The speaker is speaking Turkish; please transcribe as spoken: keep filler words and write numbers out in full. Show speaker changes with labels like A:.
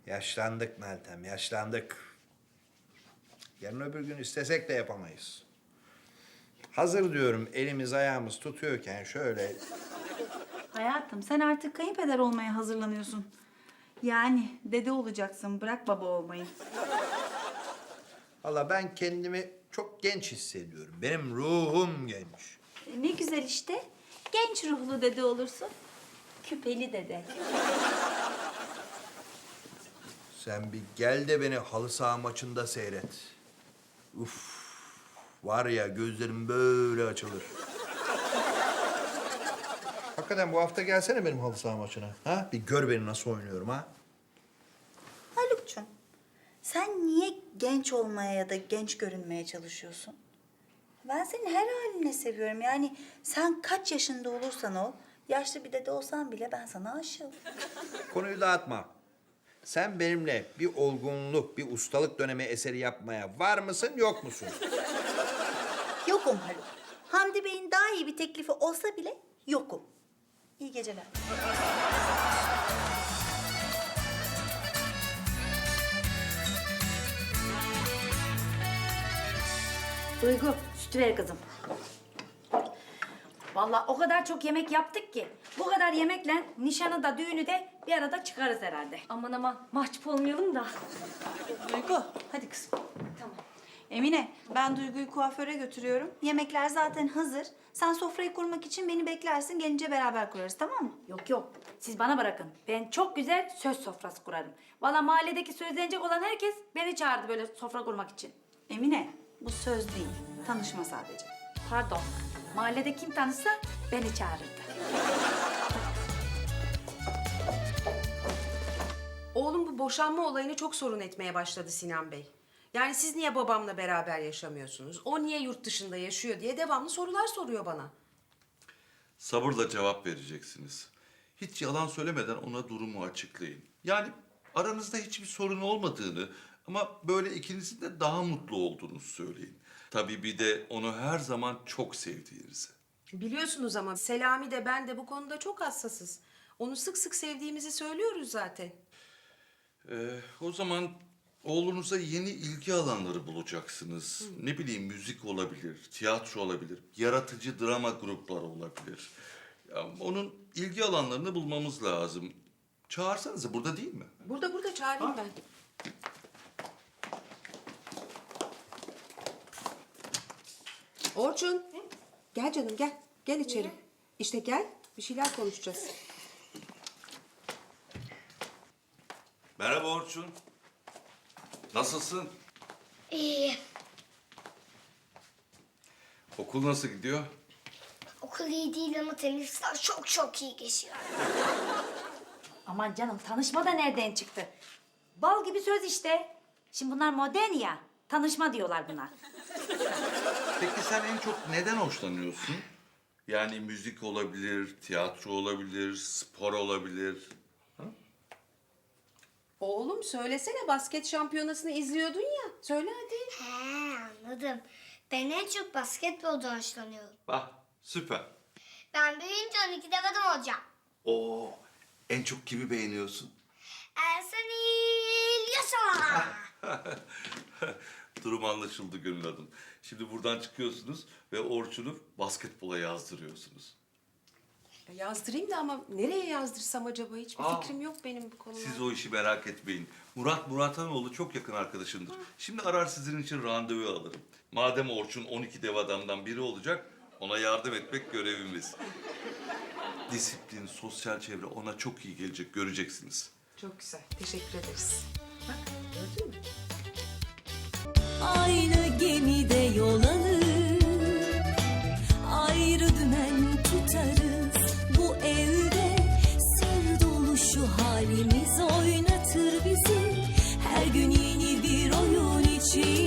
A: Yaşlandık Meltem, yaşlandık. Yarın öbür gün istesek de yapamayız. Hazır diyorum elimiz ayağımız tutuyorken şöyle...
B: Hayatım sen artık kayınpeder olmaya hazırlanıyorsun. Yani dede olacaksın, bırak baba olmayı.
A: Valla ben kendimi çok genç hissediyorum. Benim ruhum genç.
B: E, ne güzel işte. Genç ruhlu dede olursun. Küpeli dede.
A: Sen bir gel de beni halı saha maçında seyret. Uf, var ya gözlerim böyle açılır. Hakikaten bu hafta gelsene benim halı saha maçına. Ha? Bir gör beni nasıl oynuyorum ha.
B: Haluk'cum, sen niye genç olmaya ya da genç görünmeye çalışıyorsun? Ben senin her haline seviyorum. Yani sen kaç yaşında olursan ol, yaşlı bir dede olsan bile ben sana aşığım.
A: Konuyu dağıtma. Sen benimle bir olgunluk, bir ustalık dönemi eseri yapmaya var mısın, yok musun?
B: Yokum Haluk. Hamdi Bey'in daha iyi bir teklifi olsa bile yokum. İyi geceler.
C: Duygu, sütü ver kızım. Vallahi o kadar çok yemek yaptık ki bu kadar yemekle nişanı da düğünü de bir arada çıkarız herhalde.
D: Aman aman mahcup olmayalım da.
B: Duygu, hadi kızım.
D: Tamam.
B: Emine, ben Duygu'yu kuaföre götürüyorum. Yemekler zaten hazır. Sen sofrayı kurmak için beni beklersin. Gelince beraber kurarız, tamam mı?
C: Yok yok, siz bana bırakın. Ben çok güzel söz sofrası kurarım. Vallahi mahalledeki sözlenecek olan herkes beni çağırdı böyle sofra kurmak için.
B: Emine, bu söz değil. Tanışma sadece.
C: Pardon, mahallede kim tanışsa beni çağırırdı.
E: Oğlum bu boşanma olayını çok sorun etmeye başladı Sinan Bey. Yani siz niye babamla beraber yaşamıyorsunuz? O niye yurt dışında yaşıyor diye devamlı sorular soruyor bana.
F: Sabırla cevap vereceksiniz. Hiç yalan söylemeden ona durumu açıklayın. Yani aranızda hiçbir sorun olmadığını ama böyle ikinizin de daha mutlu olduğunuzu söyleyin. Tabii bir de onu her zaman çok sevdiğinizi.
E: Biliyorsunuz ama Selami de ben de bu konuda çok hassasız. Onu sık sık sevdiğimizi söylüyoruz zaten.
F: Ee, o zaman oğlunuza yeni ilgi alanları bulacaksınız. Ne bileyim müzik olabilir, tiyatro olabilir, yaratıcı drama grupları olabilir. Ya, onun ilgi alanlarını bulmamız lazım. Çağırsanıza, burada değil mi?
E: Burada burada çağırayım ben. Orçun. Gel canım gel. Gel içeri. İşte gel. Bir şeyler konuşacağız.
F: Merhaba Orçun. Nasılsın?
G: İyi.
F: Okul nasıl gidiyor?
G: Okul iyi değil ama teneffüsler çok çok iyi geçiyor.
C: Aman canım, tanışma da nereden çıktı? Bal gibi söz işte. Şimdi bunlar modern ya, tanışma diyorlar buna.
F: Peki sen en çok neden hoşlanıyorsun? Yani müzik olabilir, tiyatro olabilir, spor olabilir.
E: Oğlum söylesene, basket şampiyonasını izliyordun ya. Söyle hadi.
G: He anladım. Ben en çok basketbolda hoşlanıyorum.
F: Bak süper.
G: Ben büyüyünce on iki devadım olacağım.
F: Oo, en çok kimi beğeniyorsun?
G: Ersan İlyasova.
F: Durum anlaşıldı Gönül Hanım. Şimdi buradan çıkıyorsunuz ve Orçun'u basketbola yazdırıyorsunuz.
E: Ya yazdırayım da ama nereye yazdırsam acaba? Hiçbir
F: Aa,
E: fikrim yok benim bu konuda.
F: Siz o işi merak etmeyin. Murat Muratoğlu çok yakın arkadaşımdır. Şimdi arar sizin için randevu alırım. Madem Orçun on iki dev adamdan biri olacak, ona yardım etmek görevimiz. Disiplin, sosyal çevre ona çok iyi gelecek, göreceksiniz.
E: Çok güzel. Teşekkür ederiz. Bak gördün mü?
H: Aynı gemide yol alır, ayrı dümen tutarız. Bu evde sır dolu şu halimiz oynatır bizi. Her gün yeni bir oyun için